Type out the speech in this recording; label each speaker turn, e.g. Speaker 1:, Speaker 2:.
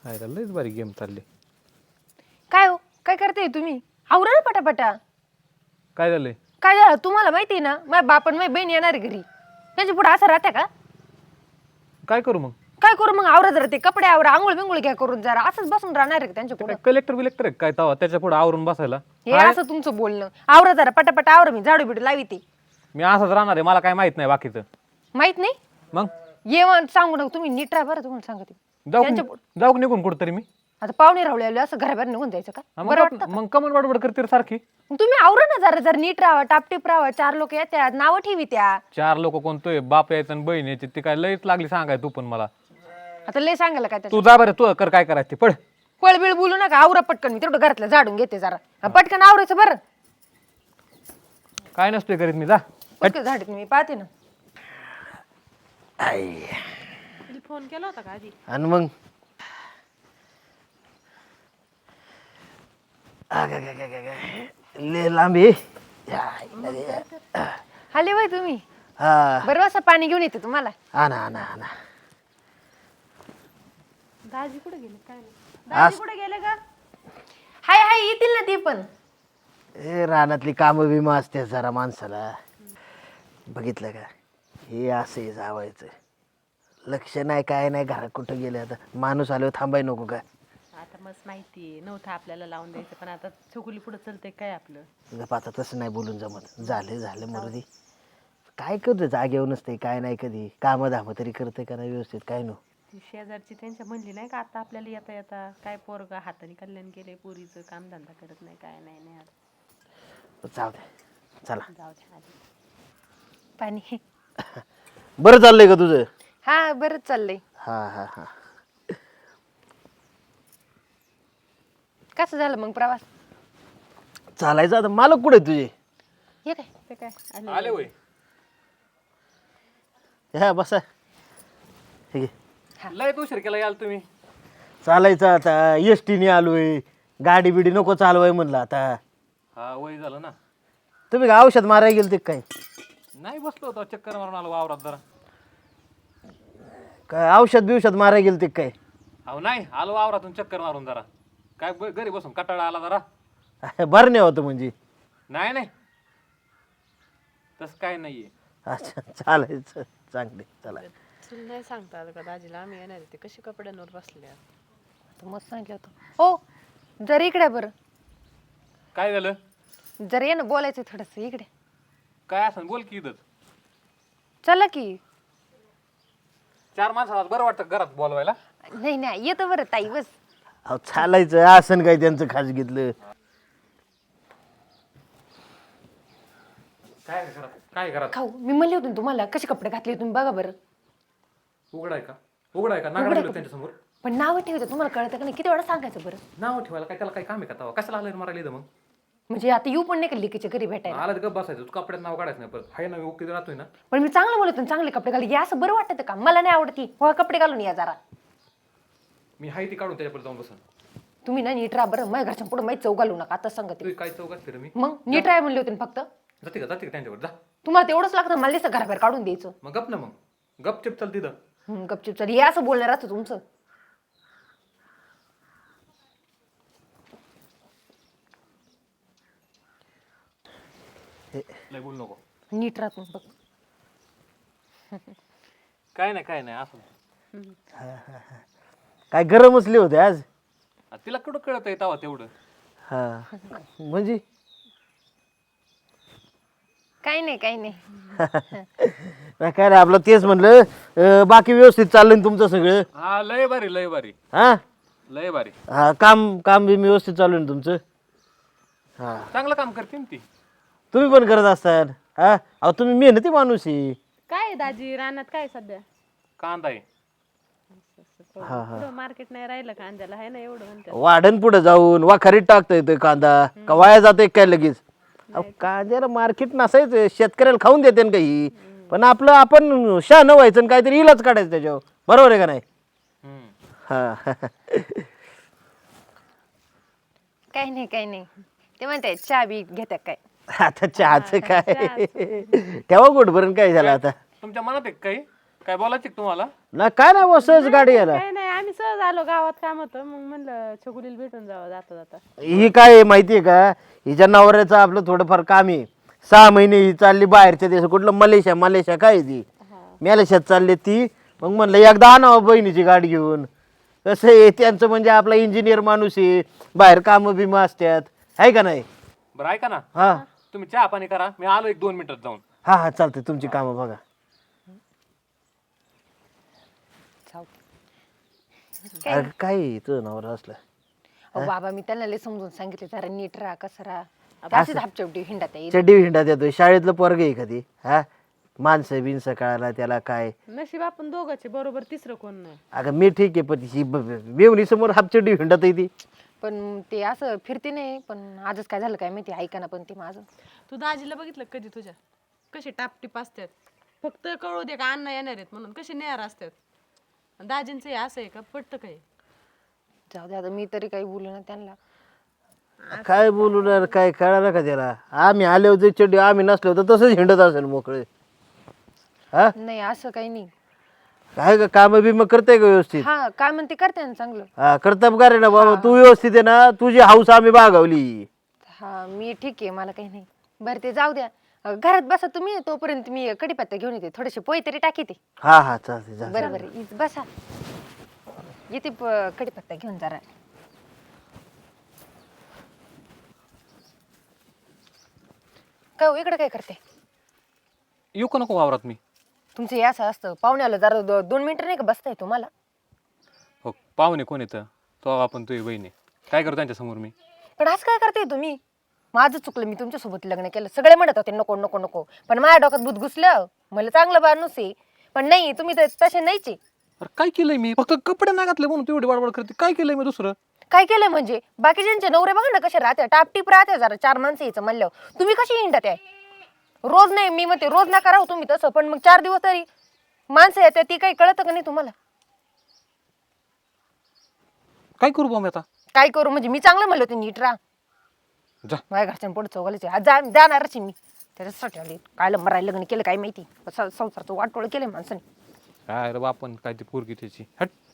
Speaker 1: आहे का लयच भारी गेम चालली.
Speaker 2: काय हो काय करते तुम्ही? आवरा ना पटापटा.
Speaker 1: काय झालंय?
Speaker 2: काय झालं तुम्हाला माहिती आहे ना, माझ्या बाप आणि माझी बहीण येणार आहे घरी. त्यांच्या पुढे असं राहते का?
Speaker 1: काय करू मग?
Speaker 2: काय करू मग? आवरा जरा, ते कपडे आवरा, आंघोळ बिंगोळ घ्या करून, जरा असंच बसून राहणार आहे त्यांच्या पुढे.
Speaker 1: कलेक्टर बिलेक्टर आहे काय तवा त्याच्या पुढे आवरून बसायला?
Speaker 2: हे असं तुमचं बोलणं. आवरा जरा पटापटा आवरा, मी झाडू बिडू लावी ते.
Speaker 1: मी असंच राहणार आहे, मला काय माहित नाही बाकीचं.
Speaker 2: माहित नाही
Speaker 1: मग
Speaker 2: ये सांगू नका तुम्ही, नीट राहा बरं. तुम्हाला सांगते
Speaker 1: जाऊ निघून कुठतरी मी.
Speaker 2: आता पाहुणे रावले आले असं घराबाहेर निघून जायचं का?
Speaker 1: हा,
Speaker 2: बरं वाटतं का?
Speaker 1: मग कमल बडबड करते रे सारखी.
Speaker 2: मग तुम्ही आवरा ना जरा, जर नीट राहा, टापटीप राहा. 4 लोक येतात, नावं ठेवी त्या.
Speaker 1: 4 लोक कोणतोय? बाप यायचं आणि बहीण यायची. ती काय लयच लागली सांगाय तू पण मला.
Speaker 2: आता लय सांगायला काय
Speaker 1: तू जा बरं, तू कर काय करायचं ते पळ.
Speaker 2: पळबिळ बोलू नका, आवरा पटकन. मी तेवढं घरातलं झाडून घेते जरा. पटकन आवरायचं बरं.
Speaker 1: काय नसतोय करीत मी, जा.
Speaker 2: पटकन झाडीत मी पाहते ना.
Speaker 3: फोन केला होता का आधी?
Speaker 4: आणि मग ले लांबी.
Speaker 2: आले बाई तुम्ही.
Speaker 4: हा
Speaker 2: बरं असं पाणी घेऊन येते तुम्हाला.
Speaker 4: आणा आणा आणा.
Speaker 3: दाजी कुठे गेले? काय नाही. दाजी कुठे गेले का?
Speaker 2: हाय हाय, येतील ना ते पण.
Speaker 4: हे रानातली कामं बिमं असते जरा माणसाला. बघितलं का? हे असं जावायचं लक्ष नाही, काय नाही. घरात कुठं गेले आता माणूस आल्यावर थांबाय नको का?
Speaker 3: आता मस्त माहिती नव्हतं आपल्याला लावून द्यायचं, पण आता चुकुली पुढे चलते काय आपलं.
Speaker 4: गप आता तसं नाही बोलून जमत. झालं मरुदी. काय करतो जागेवर नसते, काय नाही. कधी कामं धामं तरी करते का नाही व्यवस्थित? काय नो
Speaker 3: ती शेजारची त्यांच्या म्हणली नाही का आता आपल्याला येता येता काय पोरगा हाताने कल्याण केले, पोरीचं काम धंदा करत नाही, काय नाही. नाही आता
Speaker 4: जाऊ दे, चला.
Speaker 3: जाऊ दे आधी.
Speaker 2: पाणी.
Speaker 4: बरं चाललंय का तुझं?
Speaker 2: हा बरंच चाललंय.
Speaker 4: हा हा हा.
Speaker 2: कसं झालं मग प्रवास?
Speaker 4: चालायचं आता. मालक कुठे तुझे?
Speaker 2: हे काय
Speaker 3: ते काय आले?
Speaker 1: आले होय.
Speaker 4: ह्या बसा. ठीक आहे.
Speaker 1: लय उशीर केला याल तुम्ही.
Speaker 4: चालायचं आता. एसटीने आलोय. गाडी बिडी नको चालवाय म्हणलं आता.
Speaker 1: हा वय झालं ना.
Speaker 4: तुम्ही का औषध मारायला गेल ते काय?
Speaker 1: नाही बसलो होतो, चक्कर मारून आलो वावरात जरा.
Speaker 4: काय औषध बिवषध मारायला गेल ते काय?
Speaker 1: अहो नाही, आलो वावरातून चक्कर मारून जरा. काय घरी बसून कटाळा आला जरा.
Speaker 4: बरं नाही होतं म्हणजे?
Speaker 1: नाही तसं काय नाहीये.
Speaker 4: अच्छा चालायचं. चांगले चला.
Speaker 3: तुला नाही सांगता आलं का दाजीला आम्ही येणार आहे? ते कशी कपड्यांवर बसले.
Speaker 2: आता मस्त सांगितलं होतं. हो जर इकडे बरं,
Speaker 1: काय झालं?
Speaker 2: जर ये ना बोलायचं थोडस इकडे.
Speaker 1: काय असं बोल की. इथंच
Speaker 2: चला की.
Speaker 1: 4 माणसाला बरं वाटतं घरात बोलवायला.
Speaker 2: नाही येतं बरं ताई, बस.
Speaker 4: अहो चालायचं. असं काय त्यांचं खास घेतलं?
Speaker 1: काय घरात?
Speaker 2: खाऊ मी म्हणले होते ना तुम्हाला, कसे कपडे घातले तुम्ही बघा बरं.
Speaker 1: उघडाय का नागडा त्यांच्या समोर?
Speaker 2: पण नाव ठेवायचं तुम्हाला कळतं का नाही? किती वेळा सांगायचं बरं?
Speaker 1: नाव ठेवायला काय त्याला काय काम आहे का तवा? कशाला आलं मारायला इथं मग?
Speaker 2: म्हणजे आता येऊ पण नाही का लिकीच्या घरी भेटायला?
Speaker 1: आला तर गप बसायचं. तू कपड्यात नाव काढायचं नाही परत. हाय ना, ओके राहतोय ना.
Speaker 2: पण मी चांगलं बोलतो ना, चांगले कपडे घालले. असं बरं वाटतं का? मला नाही आवडती. हो कपडे घालून या जरा.
Speaker 1: मी हाय ती काढून त्याच्यापर्यंत जाऊन बसन.
Speaker 2: तुम्ही ना नीट राहा बरं. माझ्या घरच्या पुढे माहीत चौक घालू नका आता सांगते.
Speaker 1: तू काय चौकात फिर मी
Speaker 2: मग नीट राहा म्हणले होते ना फक्त.
Speaker 1: जाते का त्यांच्यावर जा.
Speaker 2: तुम्हाला तेवढंच लागतं, मला दिसतं घराबाहेर काढून द्यायचं.
Speaker 1: मग गप ना, मग गपचिप चल तिथं.
Speaker 2: गपचिप चल. हे असं बोलणार असतं तुमचं.
Speaker 1: लय बोल नको.
Speaker 2: नीट राहत मग बघ.
Speaker 1: काय नाही असं.
Speaker 4: काय गरम असले होते आज?
Speaker 1: तिला कुठं कळत आहे तवा तेवढं.
Speaker 4: हा म्हणजे
Speaker 2: काही नाही
Speaker 4: नाही, काय नाही आपलं तेच म्हणलं. बाकी व्यवस्थित चाललंय ना तुमचं सगळं?
Speaker 1: हा लय भारी.
Speaker 4: हा
Speaker 1: लय भारी.
Speaker 4: हा काम बी व्यवस्थित चालू आहे ना तुमचं? हा
Speaker 1: चांगलं काम करते ना ती.
Speaker 4: तुम्ही पण करत असताल. हा अहो तुम्ही मेहनती माणूस आहे.
Speaker 3: काय दाजी रानात काय सध्या?
Speaker 1: कांदा आहे.
Speaker 3: मार्केट नाही राहिलं कांद्याला, आहे ना एवढं म्हणतात.
Speaker 4: वाढण पुढे जाऊन वाखारीत टाकता येतोय कांदा का वाया जातोय काय लगेच? अहो कांद्याला मार्केट नसायचं, शेतकऱ्याला खाऊन देते ना काही. पण आपलं आपण शहाणं व्हायचं आणि काहीतरी इलाज काढायचं त्याच्यावर. बरोबर आहे का नाही? हा
Speaker 2: काही नाही. ते म्हणते चहा बी घेतात काय?
Speaker 4: आता चहाचं काय ठेवा गोट भरून काय झालं आता?
Speaker 1: तुमच्या मनात आहे काही काय बोलायचं तुम्हाला?
Speaker 4: ना काय नाही बसच गाडी यायला.
Speaker 3: काय नाही आम्ही सहज आलो, गावात काम होतं, मग म्हणलं छकुलीला भेटून जावं जाता जाता.
Speaker 4: ही काय आहे माहितीये का, हिच्या नवऱ्याचं आपलं थोडंफार काम आहे. 6 महिने ही चालली बाहेरच्या देश, कुठलं मलेशिया काय आहे ती मलेशियात चालली ती. मग म्हणलं एकदा आणावं बहिणीची गाडी घेऊन. कसं आहे त्यांचं म्हणजे आपला इंजिनियर माणूस आहे, बाहेर कामं बिमं असतात, आहे का नाही?
Speaker 1: बरं ऐका ना,
Speaker 4: हा
Speaker 1: तुम्ही चहा पाणी करा, मी आलो 1-2 मिनिटात जाऊन.
Speaker 4: हा हा चालतंय, तुमची कामं बघा. अरे काय आहे तुझं नवरा असलं?
Speaker 2: अहो बाबा मी त्यांना लय समजून सांगितले जरा नीट राहा कसं राहा, अशीच हापचेवटी हिंडात आहे.
Speaker 4: चड्डी हिंडात येतोय, शाळेतलं पोरग आहे कधी? हा माणसं बिनसं कळायला त्याला काय?
Speaker 3: नशीब आपण दोघांचे, बरोबर तिसरं कोण नाही.
Speaker 4: अगं मी ठीक आहे, पण ही मेवणी समोर हापचड्डी हिंडत आहे ती.
Speaker 2: पण ते असं फिरते नाही, पण आजच काय झालं काय माहिती, ऐका ना. पण ते माझं
Speaker 3: तू दाजीला बघितलं का कधी तुझ्या कशी टापटीप असतात, फक्त कळू दे का अण्णा येणार आहेत म्हणून कशी नेहार असतात. दाजींचं हे असं आहे का, पटतं काय?
Speaker 2: जाऊ दे आता, मी तरी काही बोलू ना त्यांना.
Speaker 4: काय बोलू काय कळालं का त्याला? आम्ही आले होते चड्डी, आम्ही नसलो तर तसंच हिंडत असेल मोकळे. हा
Speaker 2: नाही असं काही नाही.
Speaker 4: काय काम बिम करते का व्यवस्थित?
Speaker 2: हा काय म्हणते करते ना चांगलं.
Speaker 4: हा कर्तबगार आहे ना बाबा, तू व्यवस्थित आहे ना, तुझी हाऊस आम्ही बागावली.
Speaker 2: हा मी ठीक आहे, मला काही नाही. बरं ते जाऊ द्या, घरात बसा तुम्ही, तोपर्यंत मी कढीपत्ता घेऊन येते, थोडेसे पोहे तरी टाकी ते.
Speaker 4: हा हा चालते जा.
Speaker 2: बरं बरं बसा, येते कढीपत्ता घेऊन जरा. काय हो, इकडे काय करते?
Speaker 1: येऊ का नको वावरात मी?
Speaker 2: तुमचं हे असं असतं, पाहुण्याला जरा 2 मिनिटं नाही का बसताय तुम्हाला?
Speaker 1: हो, पाहुणे कोण येतं तो? आपण तुझी बहिणी काय करतो त्यांच्या समोर मी?
Speaker 2: पण असं काय करते तुम्ही? माझं चुकलं, मी तुमच्यासोबत लग्न केलं. सगळे म्हणत होते नको नको नको, पण माझ्या डोक्यात भूत घुसलं, मला चांगलं माणूस आहे. पण नाही, तुम्ही तर तसे नाहीच आहे.
Speaker 1: अरे काय केलंय मी? फक्त कपडे नाही घातले म्हणून तू एवढी बडबड करते. काय केलंय मी दुसरं?
Speaker 2: काय केलंय म्हणजे? बाकीच्यांचे नवरे बघा ना कसे राहते, टापटीप राहते. जरा 4 माणसं यायचं म्हणल्यावर तुम्ही कशी हिंडत आहे? रोज नाही, मी म्हणते रोज नका राहू तुम्ही तसं, पण मग 4 दिवस तरी माणसं येते, ती काही कळतं का नाही तुम्हाला?
Speaker 1: काय करू बा मी आता?
Speaker 2: काय करू म्हणजे? मी चांगलं म्हणलं होते नीट राहा.
Speaker 1: जा.
Speaker 2: माझ्या घरच्यां पुढे चौघालीचे जाणारच आहे मी त्याच्यासाठी आले. कायला मरायला लग्न केलं काय माहिती, संसारचं वाटोळ केलंय माणसाने.
Speaker 1: काय रे बापन, काय ती पोरगी त्याची हट.